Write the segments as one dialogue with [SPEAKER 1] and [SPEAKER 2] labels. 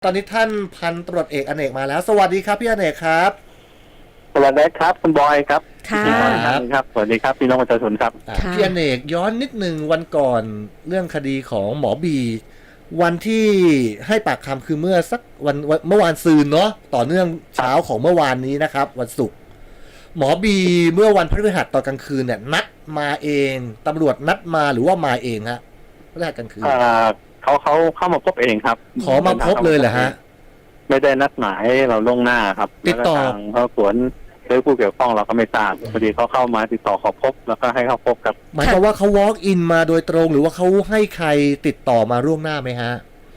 [SPEAKER 1] ตอนนี้ท่านพันตำรวจเอกอเนกมาแล้วสวัสดีครับพี่อเนกครับ
[SPEAKER 2] สวัสดีครับคุณบอยครับ
[SPEAKER 3] ค่ะ
[SPEAKER 2] พี่บอยครับสวัสดีครับพี่น้องประชาชนครับ
[SPEAKER 1] พี่อเนกย้อนนิดหนึ่งวันก่อนเรื่องคดีของหมอบีวันที่ให้ปากคำคือเมื่อสักวันเมื่อวานซืนเนาะต่อเนื่องเช้าของเมื่อวานนี้นะครับวันศุกร์หมอบีเมื่อวันพฤหัสตอนกลางคืนเนี่ยนัดมาเองตำรวจนัดมาหรือว่ามาเองฮะพฤหัสกลางคืน
[SPEAKER 2] เขาเข้ามาพบเองครับ
[SPEAKER 1] ขอมาพบเลยเหรอฮะ
[SPEAKER 2] ไม่ได้นัดหมายเราล่วงหน้าครับ
[SPEAKER 1] ติดต่อ
[SPEAKER 2] เขาสวนหรือผู้เกี่ยวข้องเราก็ไม่ทราบพอดีเขาเข้ามาติดต่อขอพบแล้วก็ให้เข้าพบกับ
[SPEAKER 1] หมายความว่าเขา walk in มาโดยตรงหรือว่าเขาให้ใครติดต่อมาล่วงหน้าไหมฮะ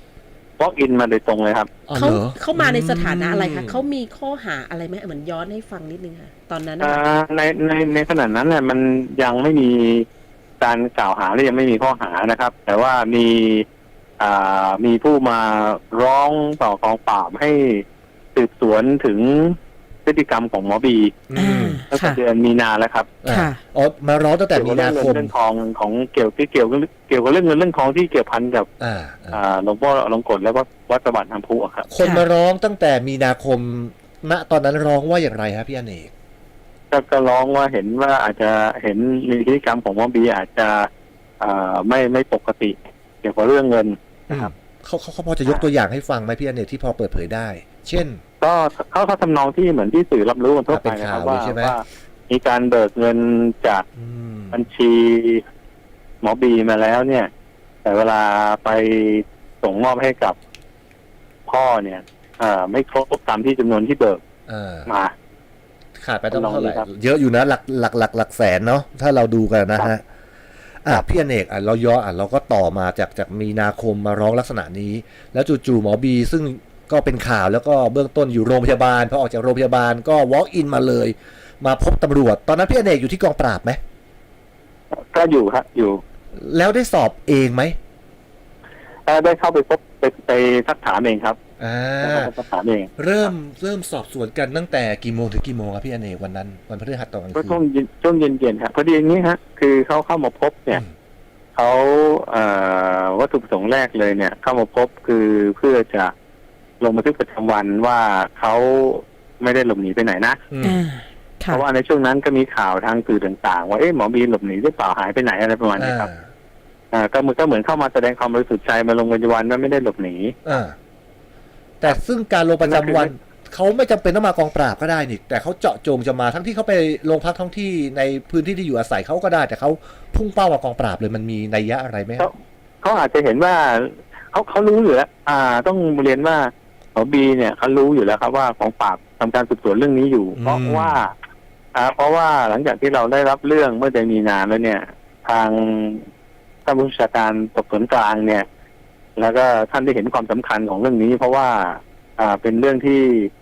[SPEAKER 2] walk in มาโดยตรงเลยครับ
[SPEAKER 3] เขามาในสถานะอะไรคะเขามีข้อหาอะไรไหมเหมือนย้อนให้ฟังนิดนึงค่ะตอนนั้น
[SPEAKER 2] ในขณะนั้นเนี่ยมันยังไม่มีการกล่าวหาและยังไม่มีข้อหานะครับแต่ว่ามีผู้มาร้องต่อกองปราบให้สืบสวนถึงพฤติกรรมของหมอบีตั้งแต่เดือนมีนาแล้วครับ
[SPEAKER 1] อ๋อมาร้องตั้งแต่มีนาคม
[SPEAKER 2] เรื่องทองของเกี่ยวกับเรื่องเงินเรื่องทองที่เกี่ยวพันกับหลวงพ่ออลงกฎและวัดประบาทน้ำพุครับ
[SPEAKER 1] คนมาร้องตั้งแต่มีนาคมณตอนนั้นร้องว่าอย่างไรครับพี่อเนก
[SPEAKER 2] ก็ร้องว่าเห็นว่าอาจจะเห็นมีพฤติกรรมของหมอบีอาจจะไม่ปกติเกี่ยวกับเรื่องเงินนะครับ
[SPEAKER 1] เขาพอจะยกตัวอย่างให้ฟังไหมพี่อเนกที่พอเปิดเผยได้เช่น
[SPEAKER 2] ก็เขาทำนองที่เหมือนที่สื่อรับรู้กันทั่วไปนะครับว่ามีการเบิกเงินจากบัญชีหมอบีมาแล้วเนี่ยแต่เวลาไปส่งมอบให้กับพ่อเนี่ยไม่ครบตามที่จำนวนที่เบิกมา
[SPEAKER 1] ขาดไปต้องเท่าไหร่เยอะอยู่นะหลักแสนเนาะถ้าเราดูกันนะฮะพี่อเนกเราย่อเราก็ต่อมาจากมีนาคมมาร้องลักษณะนี้แล้วจู่ๆหมอบีซึ่งก็เป็นข่าวแล้วก็เบื้องต้นอยู่โรงพยาบาลพอออกจากโรงพยาบาลก็ walk in มาเลยมาพบตำรวจตอนนั้นพี่อเนกอยู่ที่กองปราบไหม
[SPEAKER 2] ก็อยู่ครับอยู่
[SPEAKER 1] แล้วได้สอบเองไหม
[SPEAKER 2] ได้เข้าไปพบไปสักถามเองครับสักถามเอง
[SPEAKER 1] เริ่มสอบสวนกันตั้งแต่กี่โมงถึงกี่โมงครับพี่อเนกวันนั้นวันพฤหัสตอนกลางคืน
[SPEAKER 2] ช่วงเย็นๆครับพอดีอย่างนี้ฮะคือเขาเข้ามาพบเนี่ยเขาวัตถุประสงค์แรกเลยเนี่ยเข้ามาพบคือเพื่อจะลงบันทึกประจำวันว่าเขาไม่ได้หลบหนีไปไหนนะเพราะว่าในช่วงนั้นก็มีข่าวทางสื่อต่างๆว่าหมอบีหลบหนีหรือเปล่าหายไปไหนอะไรประมาณนี้ครับก็เหมือนเข้ามาแสดงความบริสุทธิ์ใจมาลงบันทึกประจำวันว่าไม่ได้หลบหนี
[SPEAKER 1] แต่ซึ่งการลงประจำวันเขาไม่จำเป็นต้องมากองปราบก็ได้นี่แต่เขาเจาะจงจะมาทั้งที่เขาไปโรงพักท้องที่ในพื้นที่ที่อยู่อาศัยเขาก็ได้แต่เขาพุ่งเป้ามากองปราบเลยมันมีนัยยะอะไรไหม
[SPEAKER 2] เขาอาจจะเห็นว่าเขารู้อยู่แล้วต้องเรียนว่าหมอบีเนี่ยเขารู้อยู่แล้วครับว่ากองปราบทำการสืบสวนเรื่องนี้อยู่เพราะว่าหลังจากที่เราได้รับเรื่องเมื่อเดือนมีนาแล้วเนี่ยทางท่านผู้บัญชาการสอบสวนกลางเนี่ยแล้วก็ท่านได้เห็นความสำคัญของเรื่องนี้เพราะว่าเป็นเรื่องที่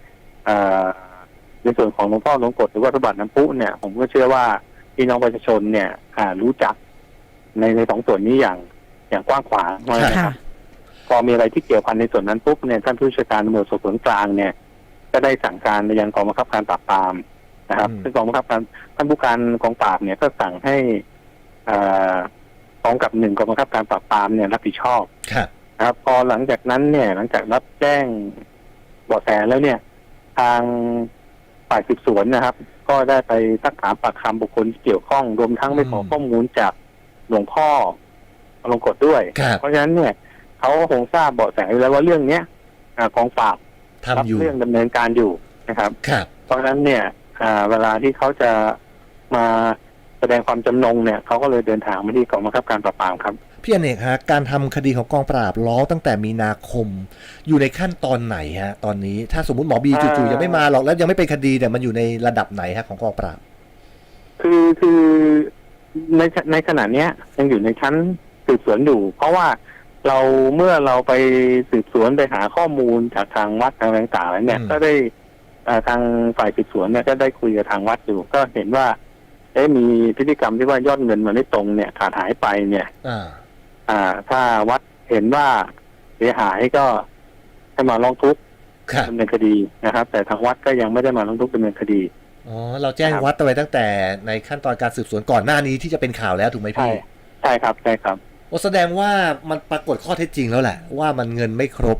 [SPEAKER 2] ในส่วนของหลวงพ่อหลวงกฎหรือว่าพระบาทน้ำพุเนี่ยผมก็เชื่อว่าพี่น้องประชาชนเนี่ยรู้จักในสองส่วนนี้อย่างกว้างขวางนะครับพอมีอะไรที่เกี่ยวพันในส่วนนั้นปุ๊บเนี่ยท่านผู้บัญชาการตำรวจสอบสวนกลางเนี่ยก็ได้สั่งการไปยังกองบังคับการปราบปรามนะครับซึ่งกองบังคับการท่านผู้การกองปราบเนี่ยก็สั่งให้กองกับ1กองบังคับการปราบปรามเนี่ยรับผิดชอบนะครับพอหลังจากนั้นเนี่ยหลังจากรับแจ้งเบาะแสแล้วเนี่ยทางฝ่ายสืบสวนนะครับก็ได้ไปซักถามปากคำบุคคลที่เกี่ยวข้องรวมทั้งไปขอข้อมูลจากหลวงพ่ออลงกฎด้วยเพราะฉะนั้นเนี่ยเขาคงทราบเบาะแสแล้วว่าเรื่องเนี้ยกองปราบรับเรื่องดำเนินการอยู่นะครับเพราะฉะนั้นเนี่ยเวลาที่เขาจะมาแสดงความจำนงเนี่ยเขาก็เลยเดินทางมาที่กองบังคับการปราบปรามครับ
[SPEAKER 1] พี่อเนกฮะการทำคดีของกองปราบร้องตั้งแต่มีนาคมอยู่ในขั้นตอนไหนฮะตอนนี้ถ้าสมมุติหมอบีจู่ๆยังไม่มาหรอกแล้วยังไม่เป็นคดีเนี่ยมันอยู่ในระดับไหนฮะของกองปราบ
[SPEAKER 2] คือในขณะนี้ยังอยู่ในชั้นสืบสวนอยู่เพราะว่าเมื่อเราไปสืบสวนไปหาข้อมูลจากทางวัดทางต่างๆแล้วเนี่ยก็ได้ทางฝ่ายสืบสวนเนี่ยก็ได้คุยกับทางวัดอยู่ก็เห็นว่ามีพฤติกรรมที่ว่ายอดเงินมันไม่ตรงเนี่ยขาดหายไปเนี่ยถ้าวัดเห็นว่าเสียหายก็ให้มาร้องทุกข์ดำเนินคดีนะครับแต่ทางวัดก็ยังไม่ได้มาร้องทุกข์ดำเนินคดี
[SPEAKER 1] เราแจ้งวัดไปตั้งแต่ในขั้นตอนการสืบสวนก่อนหน้านี้ที่จะเป็นข่าวแล้วถูกไหมพี่
[SPEAKER 2] ใช่ครับใช่ครับ
[SPEAKER 1] แสดงว่ามันปรากฏข้อเท็จจริงแล้วแหละว่ามันเงินไม่ครบ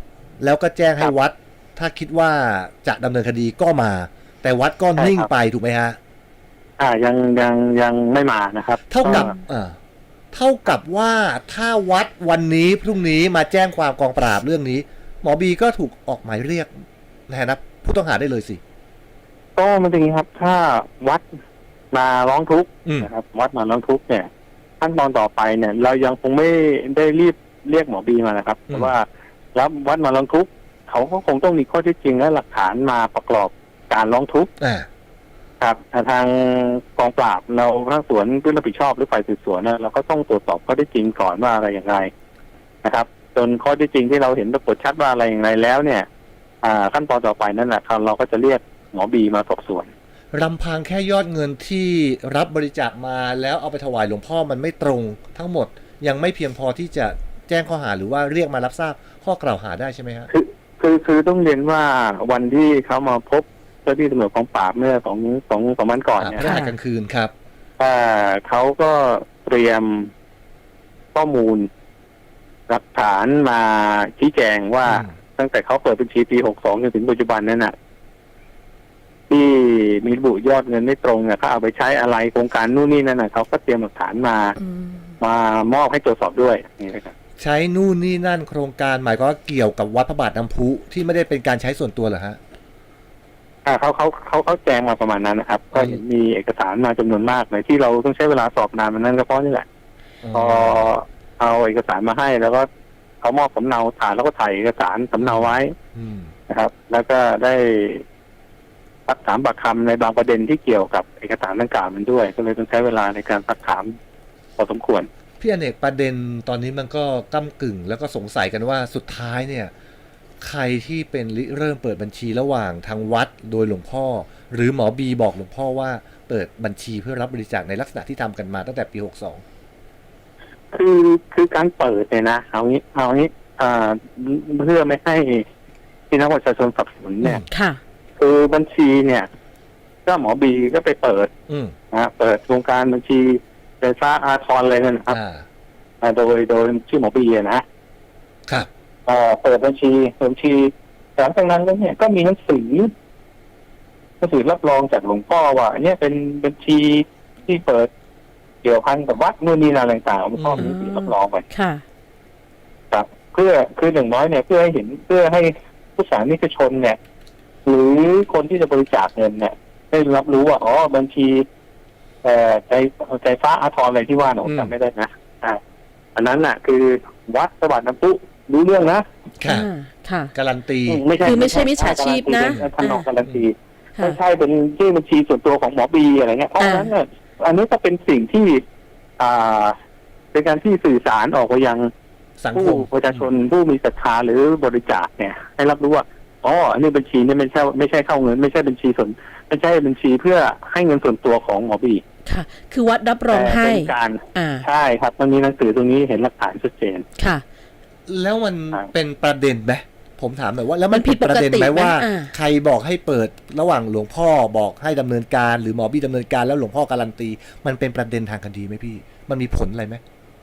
[SPEAKER 1] แล้วก็แจ้งให้วัด ถ้าคิดว่าจะดำเนินคดีก็มา แต่วัดก็นิ่งไปถูกไหมฮะ
[SPEAKER 2] ยังไม่มานะครับ
[SPEAKER 1] เท่ากับว่าถ้าวัดวันนี้พรุ่งนี้มาแจ้งความกองปราบเรื่องนี้หมอบีก็ถูกออกหมายเรียกในฐานะผู้ต้องหาได้เลยสิ
[SPEAKER 2] ก็มันเป็นอย่างนี้ครับถ้าวัดมาร้องทุกข์นะครับวัดมาร้องทุกข์เนี่ยขั้นตอนต่อไปเนี่ยเรายังคงไม่ได้รีบเรียกหมอบีมานะครับเพราะว่ารับวัดมาร้องทุกข์เขาก็คงต้องมีข้อเท็จจริงและหลักฐานมาประกอบการร้องทุกข์ครับทางกองปราบเราทางสวนผู้รับผิดชอบหรือฝ่ายสืบสวนเนี่ยเราก็ต้องตรวจสอบข้อเท็จจริงก่อนว่าอะไรอย่างไรนะครับจนข้อเท็จจริงที่เราเห็นปรากฏชัดว่าอะไรอย่างไรแล้วเนี่ยขั้นตอนต่อไปนั่นแหละเราก็จะเรียกหมอบีมาสอบสวน
[SPEAKER 1] ลำพังแค่ยอดเงินที่รับบริจาคมาแล้วเอาไปถวายหลวงพ่อมันไม่ตรงทั้งหมดยังไม่เพียงพอที่จะแจ้งข้อหาหรือว่าเรียกมารับทราบข้อกล่าวหาได้ใช่ไหมครับ
[SPEAKER 2] คือต้องเรียนว่าวันที่เขามาพบเจ้าที่ตำรวจกองปราบเมื่อ2 วันก่อนเนี่ย
[SPEAKER 1] พฤหัสกลางคืนครับ
[SPEAKER 2] เขาก็เตรียมข้อมูลหลักฐานมาชี้แจงว่าตั้งแต่เขาเปิดบัญชีปี62จนถึงปัจจุบันนั้นน่ะที่มีระบุยอดเงินไม่ตรงเนี่ยเขาเอาไปใช้อะไรโครงการนู่นนี่นั่นน่ะเขาก็เตรียมหลักฐานมามอบให้ตรวจสอบด้วยนี่นะครับ
[SPEAKER 1] ใช้นู่นนี่นั่นโครงการหมายก็เกี่ยวกับวัดพระบาทน้ำพุที่ไม่ได้เป็นการใช้ส่วนตัวเหรอฮะ
[SPEAKER 2] เขาแจ้งมาประมาณนั้นนะครับก็เห็นมีเอกสารมาจำนวนมากเลยที่เราต้องใช้เวลาสอบนานมันนั่นก็เพราะนี่แหละพอเอาเอกสารมาให้แล้วก็เขามอบสำเนาถ่ายแล้วก็ถ่ายเอกสารสำเนาไว้นะครับแล้วก็ได้ซักถามปากคำในบางประเด็นที่เกี่ยวกับเอกสารดังกล่าวมันด้วยก็เลยต้องใช้เวลาในการซักถามพอสมควร
[SPEAKER 1] พี่อเนกประเด็นตอนนี้มันก็ก้ำกึ่งแล้วก็สงสัยกันว่าสุดท้ายเนี่ยใครที่เป็นเริ่มเปิดบัญชีระหว่างทางวัดโดยหลวงพ่อหรือหมอบีบอกหลวงพ่อว่าเปิดบัญชีเพื่อรับบริจาคในลักษณะที่ทำกันมาตั้งแต่ปี62
[SPEAKER 2] คือการเปิดเนี่ยนะเอางี้เพื่อไม่ให้พี่น้องประชาชนสับสนเนี่ยคือบัญชีเนี่ยก็หมอบีก็ไปเปิดเปิดโครงการบัญชีไฟฟ้าอาทรอะไรนั่นครับโดยชื่อหมอบี
[SPEAKER 1] นะครับ
[SPEAKER 2] เปิดบัญชีหลังจากนั้นแล้วเนี่ยก็มีหนังสือรับรองจากหลวงพ่อว่าเนี่ยเป็นบัญชีที่เปิดเกี่ยวพันกับวัดนู่นนี่นั่นต่างๆหลวงพ่อมีหนังสือรับรองไปครับคืออย่างน้อยเนี่ยเพื่อให้ผู้สาธารณชนเนี่ยหรือคนที่จะบริจาคเงินเนี่ยได้รับรู้ว่าบัญชีใจฟ้าอาทรอะไรที่ว่าหนูจำไม่ได้นะอันนั้นน่ะคือวัดพระบาทน้ำพุรู้เรื่องนะ
[SPEAKER 1] ค่ะการันตี
[SPEAKER 3] คือไม่ใช่มิจฉาชีพนะ
[SPEAKER 2] ท่านการันตีไม่ใช่เป็นชื่อบัญชีส่วนตัวของหมอบีอะไรเงี้ยเพราะฉะนั้นเนี่ยอันนี้ก็เป็นสิ่งที่เป็นการที่สื่อสารออกไปยังผู้ประชาชนผู้มีศรัทธาหรือบริจาคเนี่ยให้รับรู้ว่าอันนี้บัญชีนี่ไม่ใช่เข้าเงินไม่ใช่บัญชีส่วนไม่ใช่บัญชีเพื่อให้เงินส่วนตัวของหมอบี
[SPEAKER 3] ค่ะคือวัดรับรองให้
[SPEAKER 2] ใช่ครับมันมีหนังสือตรงนี้เห็นหลักฐานชัดเจน
[SPEAKER 3] ค่ะ
[SPEAKER 1] แล้วมันเป็นประเด็นไหมผมถามหน่อยว่าแล้วมันผิดประเด็นไหมว่าใครบอกให้เปิดระหว่างหลวงพ่อบอกให้ดำเนินการหรือหมอบีดำเนินการแล้วหลวงพ่อการันตีมันเป็นประเด็นทางคดีไหมพี่มันมีผลอะไรไหม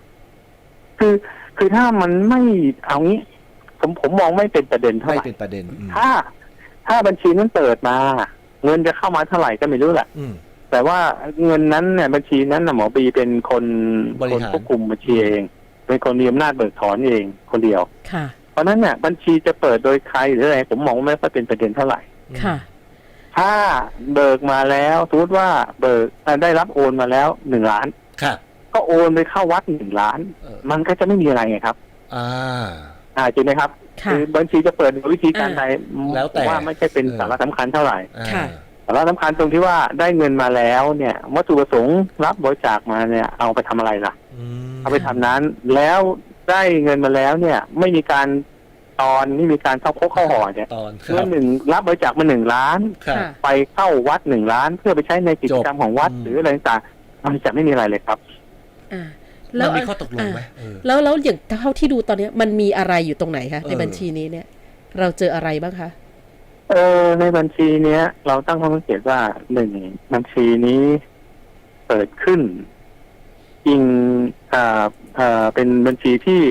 [SPEAKER 2] คือถ้ามันไม่เอางี้ผมมองไม่เป็นประเด็นเท่าไหร่
[SPEAKER 1] ไม่เป็นประเด็น
[SPEAKER 2] ถ้าบัญชีนั้นเปิดมาเงินจะเข้ามาเท่าไหร่ก็ไม่รู้แหละแต่ว่าเงินนั้นเนี่ยบัญชีนั้นหมอบีเป็นคนควบคุมบัญชีเองเป็นคนมีอำนาจเบิกถอนเองคนเดียวเพราะนั้นเนี่ยบัญชีจะเปิดโดยใครหรืออะไรผมมองไม่ค่อยเป็นประเด็นเท่าไหร่ถ้าเบิกมาแล้วสมมติว่าเบิกได้รับโอนมาแล้ว1 ล้านก็โอนไปเข้าวัด1 ล้านมันก็จะไม่มีอะไรไงครับจริงไหมครับคือบัญชีจะเปิดโดยวิธีการใดแล้วแต่ว่าไม่ใช่เป็นสาระสำคัญเท่าไหร่สาระสำคัญตรงที่ว่าได้เงินมาแล้วเนี่ยวัตถุประสงค์รับบริจาคมาเนี่ยเอาไปทำอะไรล่ะเอาไปทำนั้นแล้วได้เงินมาแล้วเนี่ยไม่มีการไม่มีการเข้าห่อเนี่ยเมื่อรับบริจาคมา1 ล้านไปเข้าวัด1 ล้านเพื่อไปใช้ในกิจกรรมของวัดหรืออะไรต่างๆมันจะไม่มีอะไรเลยครับ
[SPEAKER 1] แล้วมีข้อตกลงไหม
[SPEAKER 3] แล้วอย่างเท่าที่ดูตอนนี้มันมีอะไรอยู่ตรงไหนคะในบัญชีนี้เนี่ยเราเจออะไรบ้างคะ
[SPEAKER 2] ในบัญชีเนี้ยเราตั้งข้อสังเกตว่า1บัญชีนี้เปิดขึ้นจริงเป็นบัญชีที่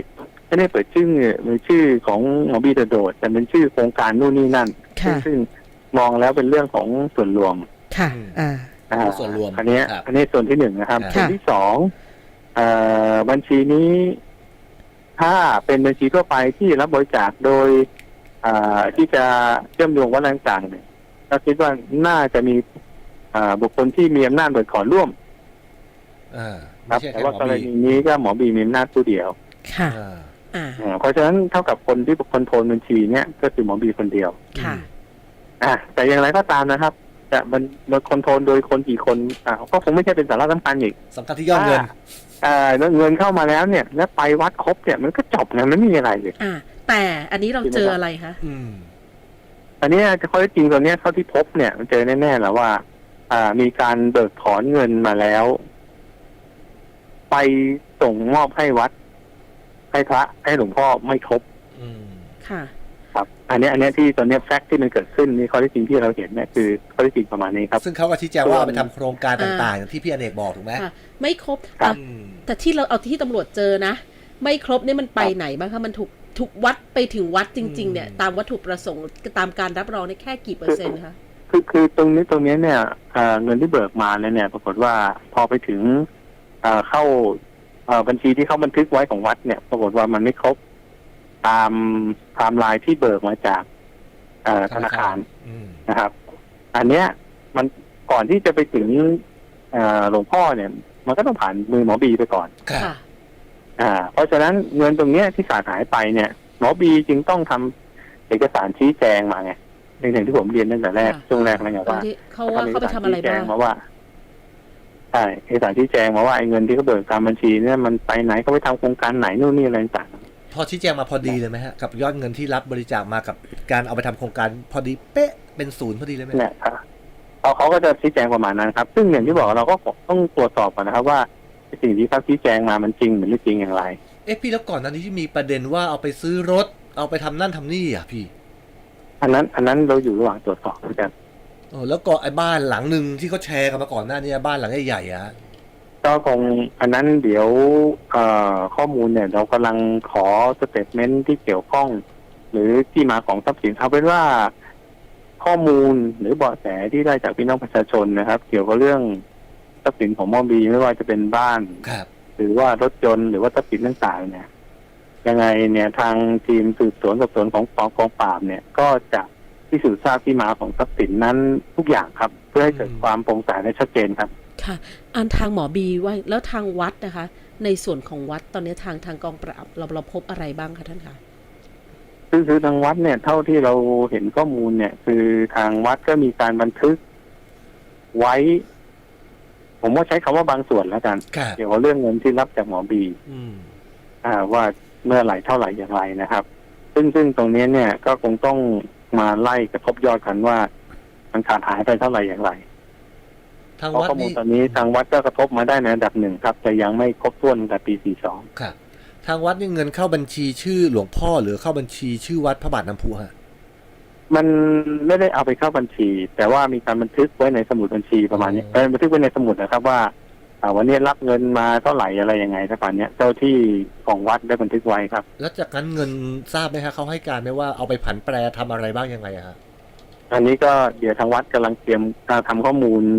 [SPEAKER 2] ไม่ได้เปิดชื่อของหมอบีโดดแต่เป็นชื่อโครงการนู่นนี่นั่น
[SPEAKER 3] ค่ะ
[SPEAKER 2] ซึ่งมองแล้วเป็นเรื่องของส่วนรวม
[SPEAKER 3] ค่ะ
[SPEAKER 1] ส่วนรวม
[SPEAKER 2] อันนี้
[SPEAKER 1] ครับ
[SPEAKER 2] อันนี้ส่วนที่หนึ่งนะครับ
[SPEAKER 1] ค่ะ
[SPEAKER 2] ส่วนที่สองบัญชีนี้ ถ้าเป็นบัญชีทั่วไปที่รับบริจาคโดยที่จะเชื่อมโยงวัดต่างๆเนี่ยก็คิดว่าน่าจะมีบุคคลที่มีอำนาจเบิกถอนร่วม
[SPEAKER 1] ไม่
[SPEAKER 2] ครับ
[SPEAKER 1] ใช่
[SPEAKER 2] แต่
[SPEAKER 1] แค่หม
[SPEAKER 2] ว่า
[SPEAKER 1] อก
[SPEAKER 2] ร
[SPEAKER 1] บี
[SPEAKER 2] ณีนี้ก็หมอบีมีอำนาจผู้เดียว
[SPEAKER 3] ค่ะ
[SPEAKER 1] อ่า
[SPEAKER 2] เพราะฉะนั้นเท่ากับคนที่คอนโทรลบัญชีเนี่ยก็คือหมอบีคนเดียว
[SPEAKER 3] ค่ะ
[SPEAKER 2] แต่อย่างไรก็ตามนะครับจะมันคอนโทรลโดยคนกี่คนก็คงไม่ใช่เป็นสาระสำคัญอีก
[SPEAKER 1] สำคัญที่ยอดเงิน
[SPEAKER 2] แล้วเงินเข้ามาแล้วเนี่ยแล้วไปวัดครบเนี่ยมันก็จบนะมันไม่มีอะไรเลย
[SPEAKER 3] แต่อันนี้เราเจออะไรคะ
[SPEAKER 2] อันนี้ข้อเท็จจริงตัวเนี้ยเท่าที่พบเนี่ยมันเจอแน่ๆแล้วว่ามีการเบิกถอนเงินมาแล้ว ไปส่งมอบให้วัด ให้พระให้หลวงพ่อไม่ครบ
[SPEAKER 3] ค่ะ
[SPEAKER 2] ครับ อันนี้ที่ตอนนี้แฟกต์ที่มันเกิดขึ้นนี่ข้อเท็จจริงที่เราเห็นเนี่ยคือข้อเท็จจริงประมาณนี้ครับ
[SPEAKER 1] ซึ่งเขาก็ชี้แจงว่าเอาไปทำโครงการต่างๆอย่างที่พี่อเนกบอกถูกไหม
[SPEAKER 3] ค่ะ ไม่ครบ
[SPEAKER 2] ครับ
[SPEAKER 3] แต่ที่เราเอาที่ตำรวจเจอนะ ไม่ครบเนี่ยมันไปไหนบ้างคะมันถูกวัดไปถึงวัดจริง ๆ เนี่ย ตามวัตถุประสงค์ตามการรับรองเนี่ยแค่กี่เปอร์เซ็นต์คะ
[SPEAKER 2] คือตรงนี้เนี่ยเงินที่เบิกมาเนี่ย ปรากฏว่าพอไปถึงเข้าบัญชีที่เขาบันทึกไว้ของวัดเนี่ย ปรากฏว่ามันไม่ครบตามไทม์ไลน์ที่เบิกมาจากธนาคารนะครับ อันเนี้ยมันก่อนที่จะไปถึงหลวงพ่อเนี่ย มันก็ต้องผ่านมือหมอบีไปก่อน
[SPEAKER 3] ค่ะ
[SPEAKER 2] เพราะฉะนั้นเงินตรงเนี้ยที่ขาดหายไปเนี่ยหมอบีจึงต้องทำเอกสารชี้แจงมาไงอย่างที่ผมเรียนตั้งแต่แรก
[SPEAKER 3] ค่ะ
[SPEAKER 2] ช่วงแรกแล้วไงว่า
[SPEAKER 3] เขาไปทำอะไรบ้าง
[SPEAKER 2] มาว่าใช่เอกสารชี้แจงมาว่าไอ้เงินที่เขาเบิกตามบัญชีเนี่ยมันไปไหนเขาไปทำโครงการไหนนู่นนี่อะไรต่าง
[SPEAKER 1] พอชี้แจงมาพอดีเลยไหมฮะกับยอดเงินที่รับบริจาคมากับการเอาไปทำโครงการพอดีเป๊ะเป็นศูนย์พอดีเลยไหม
[SPEAKER 2] เนี่ยเขาก็จะชี้แจงประมาณนั้นครับ ซึ่งอย่างที่บอกเราก็ต้องตรวจสอบก่อนนะครับว่าสิ่งที่เขาชี้แจงมามันจริงหรือไม่จริงอย่างไร
[SPEAKER 1] พี่แล้วก่อนหน้านี้ที่มีประเด็นว่าเอาไปซื้อรถเอาไปทำนั่นทำนี่อ่ะพี่
[SPEAKER 2] อันนั้นเราอยู่ระหว่างตรวจสอบเหมือนกัน
[SPEAKER 1] แล้วก็ไอ้บ้านหลังหนึ่งที่เขาแชร์กันมาก่อนหน้านี้บ้านหลังใหญ่ๆอ่ะ
[SPEAKER 2] ก็คงอันนั้นเดี๋ยวข้อมูลเนี่ยเรากำลังขอสเตทเมนต์ที่เกี่ยวข้อง หรือที่มาของทรัพย์สินเอาเป็นว่าข้อมูลหรือเบาะแสที่ได้จากพี่น้องประชาชนนะครับ เกี่ยวกับเรื่องทรัพย์สินของหมอบีไม่ว่าจะเป็นบ้าน
[SPEAKER 1] ครับ
[SPEAKER 2] หรือว่ารถยนต์หรือว่าทรัพย์สินต่างๆเนี่ยยังไงเนี่ยทางทีมสืบสวนสอบสวนของกองปราบเนี่ยก็จะพิสูจน์ทราบที่มาของทรัพย์สินนั้นทุกอย่างครับ เพื่อให้เกิดความโปร่งใสและชัดเจนครับ
[SPEAKER 3] ค่ะ อันทางหมอบีว่าแล้วทางวัดนะคะ ในส่วนของวัดตอนนี้ทางกองปราบเราพบอะไรบ้างคะท่านคะ
[SPEAKER 2] คือทางวัดเนี่ยเท่าที่เราเห็นข้อมูลเนี่ย คือทางวัดก็มีการบันทึกไว้ ผมว่าใช้คำว่าบางส่วนแล้วกัน เกี่ยวกับเรื่องเงินที่รับจากหมอบีว่าเมื่อไหร่เท่าไหร่อย่างไรนะครับ ซึ่งตรงนี้เนี่ยก็คงต้องมาไล่กระทบยอดกันว่ามันขาดหายไปเท่าไหร่อย่างไร
[SPEAKER 1] ทาง
[SPEAKER 2] เพราะ
[SPEAKER 1] วัด
[SPEAKER 2] ข้อมูล
[SPEAKER 1] นี่
[SPEAKER 2] ตอนนี้ทางวัดก็กระทบมาได้ในระดับหนึ่งครับแต่ยังไม่ครบถ้วนตั้งแต่ปี 42
[SPEAKER 1] ครับทางวัดนี่เงินเข้าบัญชีชื่อหลวงพ่อหรือเข้าบัญชีชื่อวัดพระบาทน้ำพุฮะ
[SPEAKER 2] มันไม่ได้เอาไปเข้าบัญชี แต่ว่ามีการบันทึกไว้ในสมุดบัญชีประมาณนี้บันทึกไว้ในสมุดนะครับว่าวันนี้รับเงินมาเท่าไหร่อะไรยังไงประมาณนี้เจ้าที่ของวัดได้บันทึกไว้ครับ
[SPEAKER 1] แล้วจากนั้นเงินทราบไหมฮะเขาให้การไหมว่าเอาไปผันแปรทำอะไรบ้างยังไงฮะ
[SPEAKER 2] อันนี้ก็เดี๋ยวทางวัดกำลังเตรียมทำข้อมูล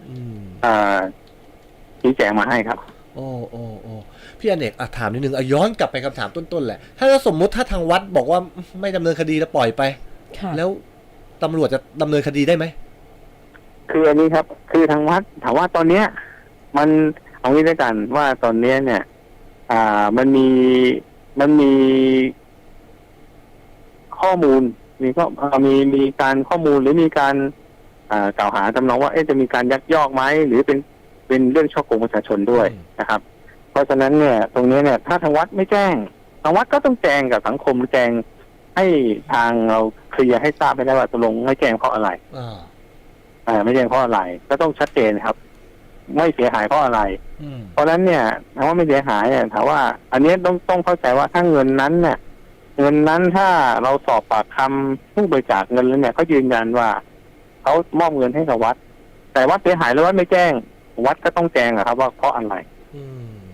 [SPEAKER 2] ชี้แจงมาให้ครับ
[SPEAKER 1] โอ้พี่อเนกถามนิดนึงย้อนกลับไปคำถามต้นๆแหละถ้าสมมุติถ้าทางวัดบอกว่าไม่ดำเนินคดีแล้วปล่อยไปแล้วตำรวจจะดำเนินคดีได้ไหม
[SPEAKER 2] คืออันนี้ครับคือทางวัดถามว่าตอนเนี้ยมันเอางี้ด้วยกันว่าตอนเนี้ยเนี่ยมันมีข้อมูลมีการข้อมูลหรือมีการกล่าวหาทำนองว่าจะมีการยักยอกไหมหรือเป็นเรื่องช่อโกงประชาชนด้วยนะครับ เพราะฉะนั้นเนี่ยตรงนี้เนี่ยถ้าทางวัดไม่แจ้งทางวัดก็ต้องแจ้งกับสังคมแจ้งให้ทางเราเคลียร์ให้ทราบไปได้ว่าตกลงไม่แจ้งเพราะอะไรไม่แจ้งเพราะอะไรก็ต้องชัดเจนครับ ไม่เสียหายเพราะอะไรเพราะฉะนั้นเนี่ยถามว่าไม่เสียหายถามว่าอันนี้ต้องเข้าใจว่าถ้าเงินนั้นเนี่ยเงินนั้นถ้าเราสอบปากคำผู้บริจาคเงินแล้วเนี่ยเขายืนยันว่าเขามอบเงินให้กับวัดแต่วัดเสียหายแล้ววัดไม่แจ้งวัดก็ต้องแจ้งครับว่าเพราะอะไร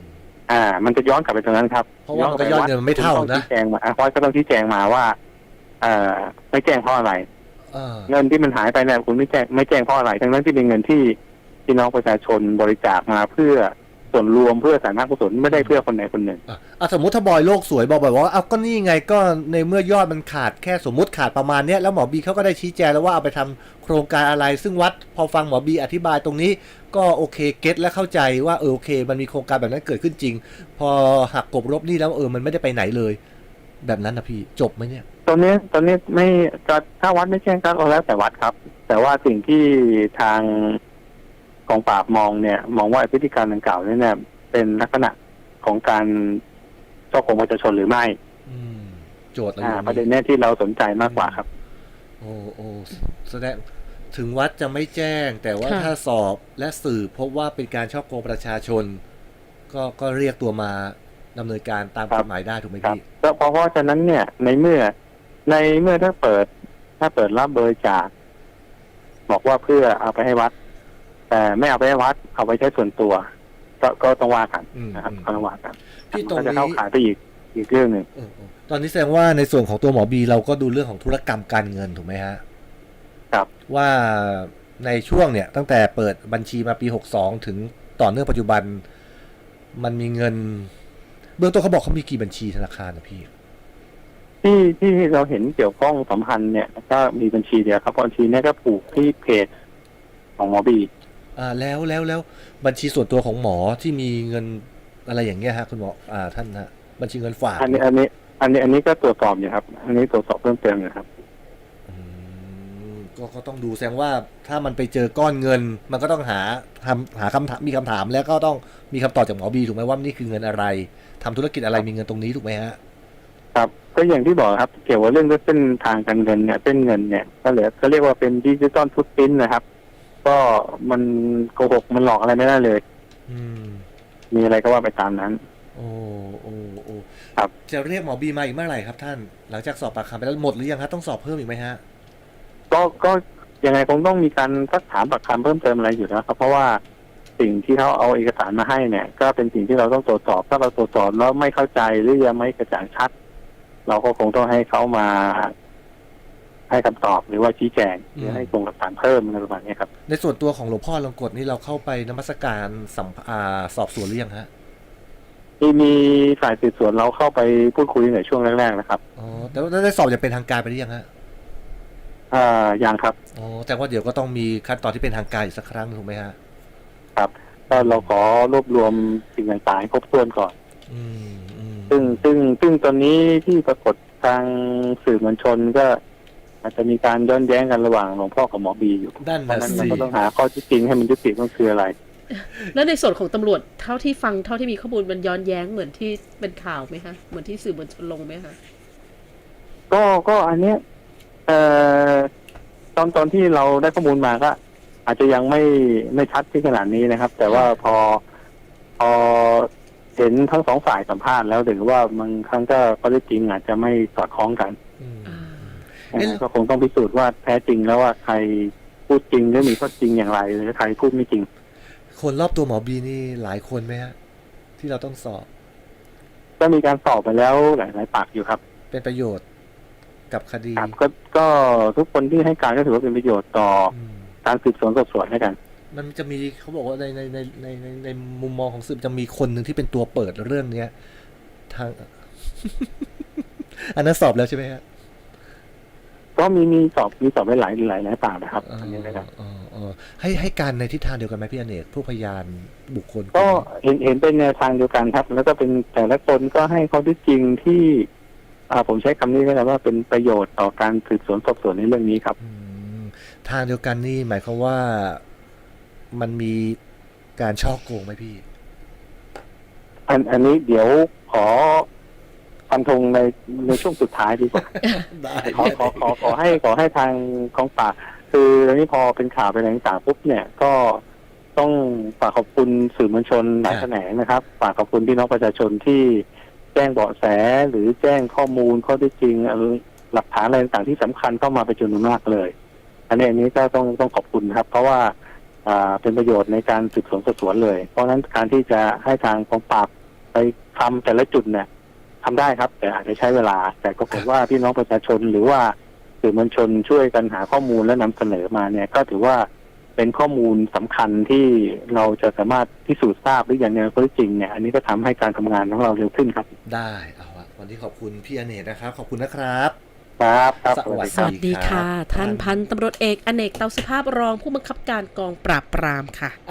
[SPEAKER 2] มันจะย้อนกลับไปตรงนั้นครับ
[SPEAKER 1] เพราะว่ามันก็ยอดเงินมันไม่เท่านะ
[SPEAKER 2] ชี้แจงมาวัดก็ต้องชี้แจงมาว่าไม่แจ้งเพราะอะไร เงินที่มันหายไปเนี่ยคุณไม่แจ้งเพราะอะไรทั้งนั้นที่เป็นเงินที่พี่น้องประชาชนบริจาคมาเพื่อส่วนรวมเพื่อสาธารณกุศลไม่ได้เพื่อคนไหนคนหนึ่ง
[SPEAKER 1] สมมติถ้าบอยโลกสวยบอกว่าเอาก็นี่ไงก็ในเมื่อยอดมันขาดแค่สมมติขาดประมาณเนี้ยแล้วหมอบีเขาก็ได้ชี้แจงแล้วว่าเอาไปทำโครงการอะไรซึ่งวัดพอฟังหมอบีอธิบายตรงนี้ก็โอเคเก็ตและเข้าใจว่าโอเคมันมีโครงการแบบนั้นเกิดขึ้นจริงพอหักกบลบนี่แล้วมันไม่ได้ไปไหนเลยแบบนั้นนะพี่จบไหมเนี่ย
[SPEAKER 2] ตอนนี้ไม่ถ้าวัดไม่แจ้งก็แล้วแต่วัดครับแต่ว่าสิ่งที่ทางกองปราบมองว่าพฤติการดังกล่าวนี่เนี่ยเป็นลักษณะของการช่อโกงประชาชนหรือไม่
[SPEAKER 1] โจทย์
[SPEAKER 2] ประเด็นนี้ที่เราสนใจมากกว่าครับ
[SPEAKER 1] โอ้แสดงถึงวัดจะไม่แจ้งแต่ว่าถ้าสอบและสืบพบว่าเป็นการช่อโกงประชาชนก็เรียกตัวมาดำเนินการตามกฎหมายได้ถูกไหมพี่
[SPEAKER 2] เพราะฉะนั้นเนี่ยในเมื่อถ้าเปิดรับบริจาคบอกว่าเพื่อเอาไปให้วัดแต่ไม่เอาไปให้วัดเอาไปใช้ส่วนตัวก็ต้องว่ากันนะครับก็ต้องว่ากัน
[SPEAKER 1] พี่ตรงนี้
[SPEAKER 2] จะเข้าขายไปอีกเรื่องหนึ่ง
[SPEAKER 1] ตอนนี้แสดงว่าในส่วนของตัวหมอบีเราก็ดูเรื่องของธุรกรรมการเงินถูกไหมฮะ
[SPEAKER 2] ครับ
[SPEAKER 1] ว่าในช่วงเนี่ยตั้งแต่เปิดบัญชีมาปี62ถึงต่อเนื่องปัจจุบันมันมีเงินเบื้องต้นเขาบอกเขามีกี่บัญชีธนาคารนะพี่
[SPEAKER 2] ที่เราเห็นเกี่ยวข้องสัมพันธ์เนี่ยก็มีบัญชีเดียวครับบัญชีนี้ก็ผูกที่เพจของหมอบี
[SPEAKER 1] แล้วบัญชีส่วนตัวของหมอที่มีเงินอะไรอย่างเงี้ยฮะคุณหมอท่านฮะบัญชีเงินฝาก
[SPEAKER 2] อันนี้ก็ตรวจสอบอยู่ครับอันนี้ตรวจสอบเพิ่มเติมอยู่ครับ
[SPEAKER 1] ก็ต้องดูแสดงว่าถ้ามันไปเจอก้อนเงินมันก็ต้องหาคำถามมีคำถามแล้วก็ต้องมีคำตอบจากหมอบีถูกไหมว่านี่คือเงินอะไรทำธุรกิจอะไรมีเงินตรงนี้ถูกไหมฮะ
[SPEAKER 2] ครับก็อย่างที่บอกครับเกี่ยวกับเรื่องเส้นทางการเงินเนี่ยเส้นเงินเนี่ยก็เรียกว่าเป็นดิจิตอลฟุตพริ้นท์นะครับก็มันโกหกมันหลอกอะไรไม่ได้เลยมีอะไรก็ว่าไปตามนั้น
[SPEAKER 1] โอ้ครับจะเรียกหมอบีมาอีกเมื่อไหร่ครับท่านหลังจากสอบปากคำไปแล้วหมดหรือยังครับต้องสอบเพิ่มอีกไหมฮะ
[SPEAKER 2] ก็ยังไงคงต้องมีการซักถามปากคำเพิ่มเติมอะไรอยู่นะครับเพราะว่าสิ่งที่เขาเอาเอกสารมาให้เนี่ยก็เป็นสิ่งที่เราต้องตรวจสอบถ้าเราตรวจสอบแล้วไม่เข้าใจหรือยังไม่กระจ่างชัดเราก็คงต้องให้เขามาให้คำตอบหรือว่าชี้แจงหรือให้ส่งหลักฐานเพิ่มอะไรประมาณนี้ครับ
[SPEAKER 1] ในส่วนตัวของหลวงพ่อลงกฎนี่เราเข้าไปนมัสการสอบสวนหรือยังฮะ
[SPEAKER 2] มีฝ่ายสืบสวนเราเข้าไปพูดคุยในช่วงแรกๆนะครับ
[SPEAKER 1] แต่ว่าได้สอบอย่างเป็นทางการไปหรือยังฮะ
[SPEAKER 2] ยังครับ
[SPEAKER 1] แต่ว่าเดี๋ยวก็ต้องมีขั้นตอนที่เป็นทางการอีกสักครั้งถูกไหมฮะ
[SPEAKER 2] ครับก็เราขอรวบรวมสิ่งต่างๆให้ครบถ้วนก่อนซึ่งตอนนี้ที่ปรากฏทางสื่อมวลชนก็อาจจะมีการย้อนแย้งกันระหว่างหลวงพ่อกับหมอบีอยู่เพราะนั้นเราก็ต้องหาข้อที่จริงให้มันยุติต้องคืออะไร
[SPEAKER 3] แล้วในส่วนของตำรวจเท่าที่ฟังเท่าที่มีข้อมูลมันย้อนแย้งเหมือนที่เป็นข่าวไหมคะเหมือนที่สื่อมวลชนลงไหมคะ
[SPEAKER 2] ก็อันเนี้ยตอนที่เราได้ข้อมูลมาก็อาจจะยังไม่ชัดที่ขนาดนี้นะครับ แต่ว่าพอเห็นทั้งสองฝ่ายสัมภาษณ์แล้วถือว่าบางครั้งก็ข้อเท็จจริงอาจจะไม่สอดคล้องกันก็คงต้องพิสูจน์ว่าแท้จริงแล้วว่าใครพูดจริงหรือมีข้อจริงอย่างไรหรือใครพูดไม่จริง
[SPEAKER 1] คนรอบตัวหมอบีนี่หลายคนไหมฮะที่เราต้องสอบ
[SPEAKER 2] ก็มีการสอบไปแล้วหลายปากอยู่ครับ
[SPEAKER 1] เป็นประโยชน์กับคดี
[SPEAKER 2] ก็ทุกคนที่ให้การก็ถือว่าเป็นประโยชน์ต่อการสืบสวนสอบสวนให้กัน
[SPEAKER 1] มันจะมีเขาบอกว่าในมุมมองของสืบจะมีคนหนึ่งที่เป็นตัวเปิดเรื่องเนี้ยทาง อันนั้นสอบแล้วใช่ไหมฮะ
[SPEAKER 2] ก็มีสอบไปหลายปากนะครับอันนี้นะครับ
[SPEAKER 1] ให้การในทิศทางเดียวกันไหมพี่อเนกผู้พยานบุคคล
[SPEAKER 2] ก็เห็นเป็นแนวทางเดียวกันครับแล้วก็เป็นแต่ละคนก็ให้ข้อเท็จจริงที่ผมใช้คำนี้ก็ได้ว่าเป็นประโยชน์ต่อการสืบสวนสอบสวนในเรื่องนี้ครับ
[SPEAKER 1] ทางเดียวกันนี่หมายความว่ามันมีการช่อโกงไหมพี่
[SPEAKER 2] อันนี้เดี๋ยวขอฟันธงในช่วงสุดท้ายดีกว่าขอให้ทางกองปราบคือตอนนี้พอเป็นข่าวไปต่างๆปุ๊บเนี่ยก็ต้องฝากขอบคุณสื่อมวลชนหลายแขนงนะครับฝากขอบคุณพี่น้องประชาชนที่แจ้งเบาะแสหรือแจ้งข้อมูลข้อเท็จจริงหลักฐานอะไรต่างๆที่สำคัญเข้ามาเป็นจำนวนมากเลยอันนี้ก็ต้องขอบคุณครับเพราะว่าเป็นประโยชน์ในการสืบสวนสอบสวนเลยเพราะฉะนั้นการที่จะให้ทางกองปราบไปทำแต่ละจุดเนี่ยทำได้ครับ แต่อาจจะใช้เวลา แต่ก็ผมว่าพี่น้องประชาชนหรือว่าสื่อมวลชนช่วยกันหาข้อมูลและนำเสนอมาเนี่ย ก็ถือว่าเป็นข้อมูลสำคัญที่เราจะสามารถพิสูจน์ทราบหรืออย่างในข้อเท็จจริงเนี่ยอันนี้ก็ทำให้การทำงานของเราเร็วขึ้นครับ
[SPEAKER 1] ได้เอาละวันนี้ขอบคุณพี่อเนกนะครับ ขอบคุณนะครับ
[SPEAKER 2] ครับครับ
[SPEAKER 1] สวัส
[SPEAKER 3] สวัสดีค่ะ
[SPEAKER 1] ครับ
[SPEAKER 3] ท่านพันตำรวจเอกอเนกเตาสุภาพรองผู้บังคับการกองปราบปรามค่ะ